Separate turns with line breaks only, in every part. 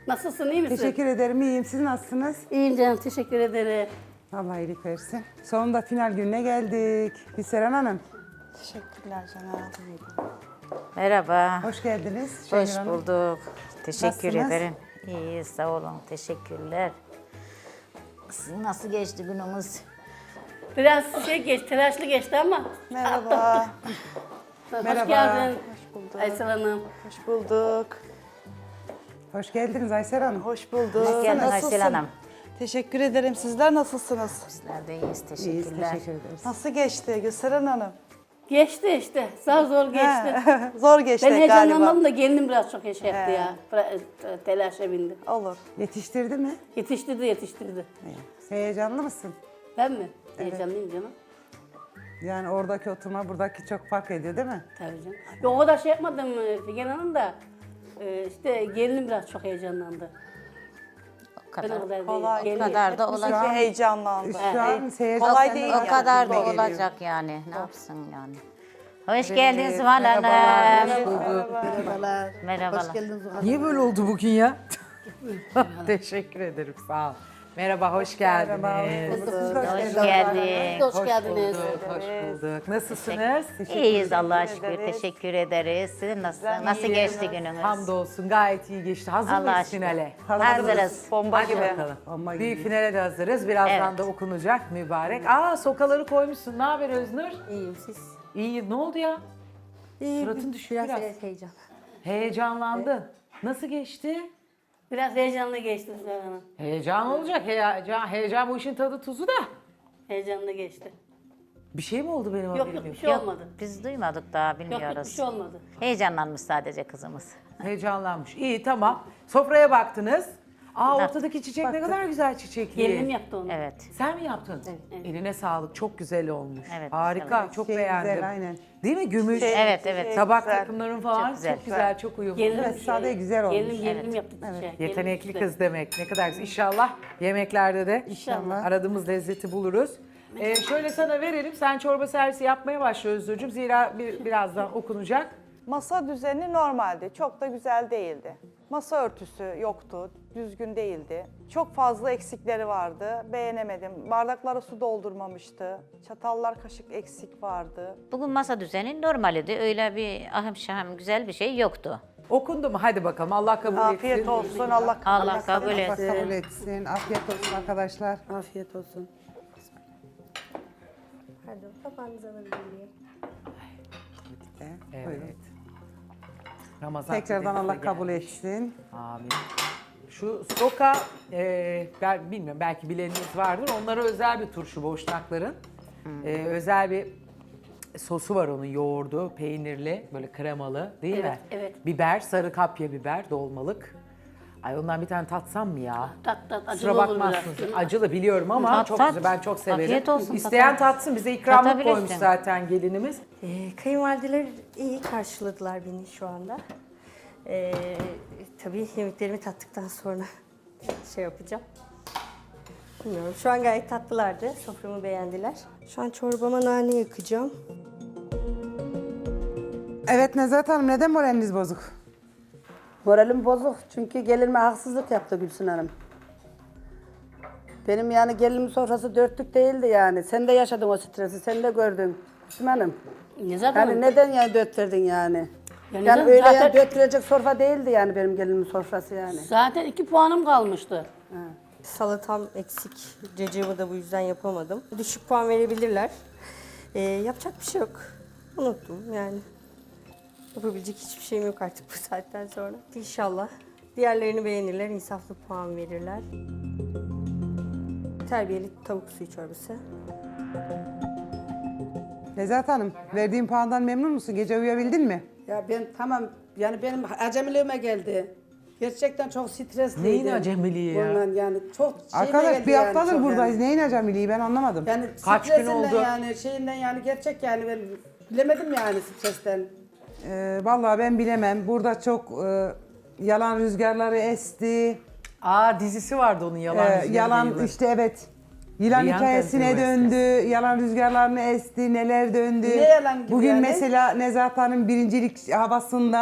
Nasılsın, iyi misin?
Teşekkür ederim, iyiyim. Siz nasılsınız?
İyiyim canım, teşekkür ederim.
Allah iyilik versin. Sonunda final gününe geldik. Seren Hanım,
Teşekkürler canım.
Merhaba.
hoş geldiniz.
Hoş
Şengül Hanım.
bulduk. Teşekkür
Nasılsınız?
ederim. İyi, sağ olun. Teşekkürler. Sizin nasıl geçti günümüz?
Biraz geçti, telaşlı geçti ama.
Merhaba.
Hoş
Merhaba.
geldin.
Hoş bulduk.
Aysel Hanım.
Hoş bulduk.
Hoş geldiniz Aysel Hanım.
Hoş bulduk.
Hoş geldin
Nasılsın?
Aysel Hanım.
Teşekkür ederim. Sizler nasılsınız?
Bizler de iyiyiz.
İyiyiz,
Teşekkürler.
teşekkür ederiz.
Nasıl geçti Gülseren Hanım?
Geçti işte, zor geçti.
Zor geçti
Ben
galiba.
heyecanlanmadım da gelinim biraz çok şey yaptı ya. Telaşa bindi.
Olur.
Yetiştirdi mi?
Yetiştirdi.
Heyecanlı mısın?
Ben mi? Heyecanlıyım canım.
Yani oradaki oturma buradaki çok fark ediyor değil mi?
Tabii canım. Yok o kadar şey yapmadım Figen Hanım da. İşte gelinim biraz çok heyecanlandı.
O
Ben o
kadar.
kadar değil.
Kolay.
Gelin-
O kadar da
Hepimiz
olacak.
heyecanlandı.
Şu an heyecan
Kolay
senden
değil
daha
O
yani.
kadar
çok
da
geliyor.
olacak yani. Ne yapsın yani? Hoş geldin Zuhal
merhabalar.
Hanım.
Merhabalar.
Merhabalar.
Hoş geldiniz Zuhal
Niye böyle oldu bugün ya? Teşekkür ederim, sağ ol. Merhaba, hoş geldiniz.
Siz de
Hoş geldin.
Hoş geldiniz.
Hoş bulduk. Nasılsınız?
İyiyiz Allah'a şükür.
ederiz.
Teşekkür ederiz. Sizin nasıl geçti gününüz?
Hamdolsun, gayet iyi geçti. Hazır
Allah'a
mıyız
şükür.
finale?
Hazırız.
Bomba
Hadi
gibi.
bakalım.
Ama
Büyük
gibi.
finale de hazırız. Birazdan
Evet.
da okunacak mübarek. Aa, sokaları koymuşsun. Ne haber Öznur?
İyiyim siz.
İyi. Ne oldu ya?
İyi.
Suratın düşüyor biraz.
Heyecan.
Heyecanlandın. Nasıl geçti?
Biraz heyecanlı geçti Figen Hanım.
Heyecan olacak. Heyecan bu işin tadı tuzu da.
Heyecanlı geçti.
Bir şey mi oldu benim
Yok
haberim
yok bir
yok?
şey
Yok,
olmadı.
biz duymadık daha,
Yok yok bir
bilmiyoruz.
şey olmadı.
Heyecanlanmış sadece kızımız.
Heyecanlanmış. İyi, tamam. Sofraya baktınız. Aa, ortadaki çiçek ne kadar güzel çiçekli.
Gelinim yaptı onu.
Evet.
Sen mi yaptın? Eline sağlık. Çok güzel olmuş.
Evet,
Harika.
evet.
Çok
Şey
beğendim.
güzel, aynen.
Değil mi? Gümüş.
Evet, evet.
Tabak
güzel.
takımların falan
Çok güzel.
çok güzel, çok uyumlu.
Gelinim,
Evet, sade güzel olmuş.
Gelinim yaptı çiçeği.
Yetenekli
Gelinim
kız demek. Ne kadar güzel. İnşallah yemeklerde de
İnşallah.
aradığımız lezzeti buluruz. Şöyle sana verelim. Sen çorba servisi yapmaya başla Özgürcüğüm. Zira birazdan okunacak.
Masa düzeni normaldi. Çok da güzel değildi. Masa örtüsü yoktu. Düzgün değildi. Çok fazla eksikleri vardı. Beğenemedim. Bardaklara su doldurmamıştı. Çatallar, kaşık eksik vardı.
Bugün masa düzeni normaldi. Öyle bir ahım şahım güzel bir şey yoktu.
Okundu mu? Hadi bakalım. Allah kabul
Afiyet
etsin.
olsun. Allah
Allah kabul
Allah
etsin.
kabul etsin. Afiyet olsun arkadaşlar.
Afiyet olsun. Pardon, kapağınızı alabilir miyim?
Buyurun.
Evet. Ramazan
Tekrardan
tadımıza
Allah kabul
gelmiş.
etsin.
Amin. Şu soka, ben bilmiyorum belki bileniniz vardır. Onlara özel bir turşu boşnakların. Özel bir sosu var onun, yoğurdu, peynirli, böyle kremalı değil mi?
evet.
Biber, sarı kapya biber, dolmalık. Ay ondan bir tane tatsam mı ya?
Tat acılı
Kusura
olur
bakmazsınız.
biraz.
Acılı biliyorum ama
Tat,
çok
tat.
güzel. Ben çok severim.
Afiyet olsun,
İsteyen
tatar.
tatsın. Bize ikramlık
Tatabilirsin.
koymuş zaten gelinimiz.
Kayınvalideler iyi karşıladılar beni şu anda. Tabii yemeklerimi tattıktan sonra şey yapacağım. Bilmiyorum. Şu an gayet tatlılardı. Soframı beğendiler. Şu an çorbama nane yakacağım.
Evet Nezahat Hanım, neden moraliniz bozuk?
Moralim bozuk çünkü gelinime haksızlık yaptı Gülsün Hanım. Benim yani gelinimin sofrası dörtlük değildi yani. Sen de yaşadın o stresi, sen de gördün Gülsün Hanım.
Ne zaten?
Yani neden yani dört verdin yani?
Yani
Yani öyle
zaten-
yani dört verecek sofra değildi yani benim gelinimin sofrası yani.
Zaten 2 puanım kalmıştı.
Salatam eksik. Cacığımı da bu yüzden yapamadım. Düşük puan verebilirler. Yapacak bir şey yok. Unuttum yani. Yapabilecek hiçbir şeyim yok artık bu saatten sonra. İnşallah diğerlerini beğenirler, insaflı puan verirler. Terbiyeli tavuk suyu çorbası.
Nezahat Hanım, verdiğin puandan memnun musun? Gece uyuyabildin mi?
Ya ben tamam yani benim acemiliğime geldi. Gerçekten çok stresliydim.
Neyin acemiliği ya?
Bundan yani çok şeyime
Arkadaş
geldi
bir
yani
haftadır
çok
buradayız.
yani.
Neyin acemiliği ben anlamadım.
Yani
Kaç gün
stresinden
oldu?
yani şeyinden yani gerçek yani ben bilemedim yani stresten.
Vallahi ben bilemem. Burada çok yalan rüzgarları esti.
Aa, dizisi vardı onun yalan rüzgarı
Yalan
diye.
işte evet. Yılan
Yılan
hikayesine
tentürmesi.
döndü. Yalan rüzgarlarını esti. Neler döndü.
Ne yalan gibi
Bugün
yani?
mesela Nezahat Hanım birincilik havasında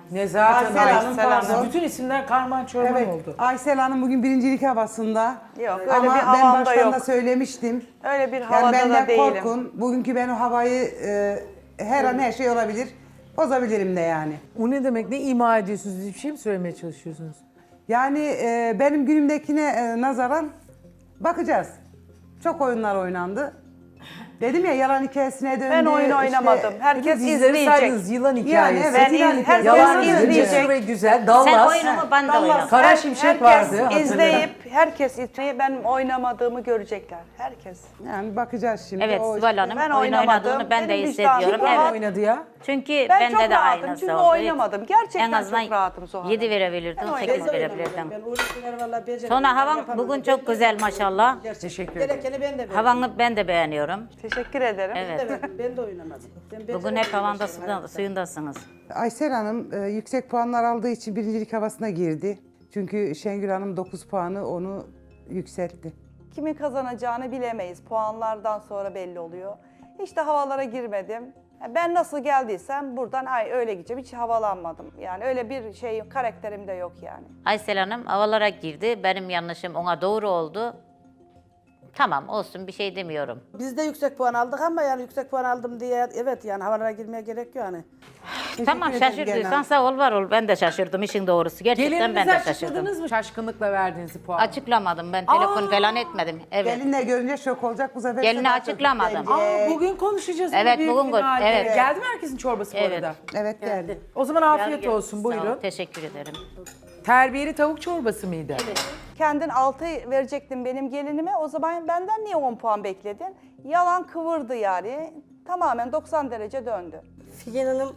Nezahat Hanım.
Aysel Hanım,
Aysel
pardon.
Bütün isimler karman çorman
Evet,
oldu.
Aysel Hanım bugün birincilik havasında.
Yok, öyle
Ama
bir
ben
havam da
baştan da
yok.
söylemiştim.
Öyle bir
Yani
havada
benden
da değilim.
korkun. Bugünkü ben o havayı her an her şey olabilir. Bozabilirim de yani.
O ne demek? Ne ima ediyorsunuz? Hiçbir şey mi söylemeye çalışıyorsunuz?
Yani benim günümdekine nazaran bakacağız. Çok oyunlar oynandı. Dedim ya yalan hikayesine döndü.
Ben oyun
işte-
oynamadım. Herkes
Dizleri
izleyecek.
saydınız, yılan hikayesi.
evet,
Ben
yılan
iz-
hikayesi.
herkes
Yalan
izleyecek.
Cesur ve güzel.
Sen
Dallas.
oyunu mu ben de oynarım.
Kara Şimşek vardı. hatırlarım.
Herkes izleyip benim oynamadığımı görecekler. Herkes.
Yani bakacağız şimdi.
Evet
O
Sibel
işte-
Hanım
Ben
oyun
oynamadım.
oynadığını ben de
Benim
hissediyorum.
vicdanım
Kim
Evet.
oynadı ya?
Çünkü
Ben çok
bende de
rahatım
aynısı
çünkü
oldu.
oynamadım. Gerçekten
En azından
çok rahatım Zuhal Hanım.
7 verebilirdin,
Ben
8
oynamadım.
verebilirdin.
Ben uğraştılar vallahi beceremiyorum.
Sonra havan
Yapamadım.
bugün çok güzel maşallah.
Teşekkür ederim.
Gerekeni ben de verdim.
Havanı ben de beğeniyorum.
Teşekkür ederim.
Evet.
Ben de oynamadım. Ben
Bugün hep
beceremiyorum
havanda
işte hayatta.
suyundasınız.
Aysel Hanım yüksek puanlar aldığı için birincilik havasına girdi. Çünkü Şengül Hanım 9 puanı onu yükseltti.
Kimin kazanacağını bilemeyiz. Puanlardan sonra belli oluyor. Hiç de havalara girmedim. Ben nasıl geldiysem buradan öyle gideceğim. Hiç havalanmadım. Yani öyle bir şey karakterim de yok yani.
Aysel Hanım havalara girdi. Benim yanlışım ona doğru oldu. Tamam olsun bir şey demiyorum.
Biz de yüksek puan aldık ama yani yüksek puan aldım diye evet yani havalara girmeye gerek yok yani.
Tamam
ederim
şaşırdıysan
genel.
sağ ol var ol. Ben de şaşırdım işin doğrusu. Gerçekten ben
Gelininize
de şaşırdım.
açıkladınız mı şaşkınlıkla verdiğiniz puanı?
Açıklamadım ben telefon falan etmedim. Evet.
Gelinle görünce şok olacak bu sefer.
Gelini
sana
açıklamadım.
çok gelecek.
Bugün konuşacağız. bunu
Evet,
büyük
bugün
finalde.
evet.
Geldi mi herkesin çorbası bu
Evet.
arada?
Evet geldi.
O zaman afiyet olsun
Sağ ol,
buyurun.
teşekkür ederim.
Terbiyeli tavuk çorbası mıydı?
Kendin 6 verecektin benim gelinime. O zaman benden niye 10 puan bekledin? Yalan kıvırdı yani. Tamamen 90 derece döndü.
Figen Hanım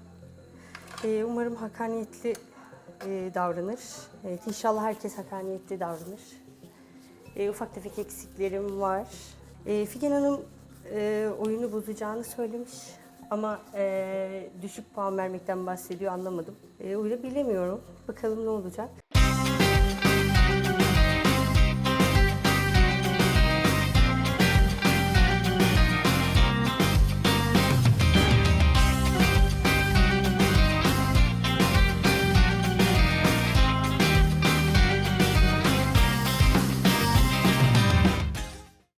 umarım hakkaniyetli davranır. Evet, inşallah herkes hakkaniyetli davranır. Ufak tefek eksiklerim var. Figen Hanım oyunu bozacağını söylemiş ama düşük puan vermekten bahsediyor anlamadım. O yüzden bilemiyorum. Bakalım ne olacak.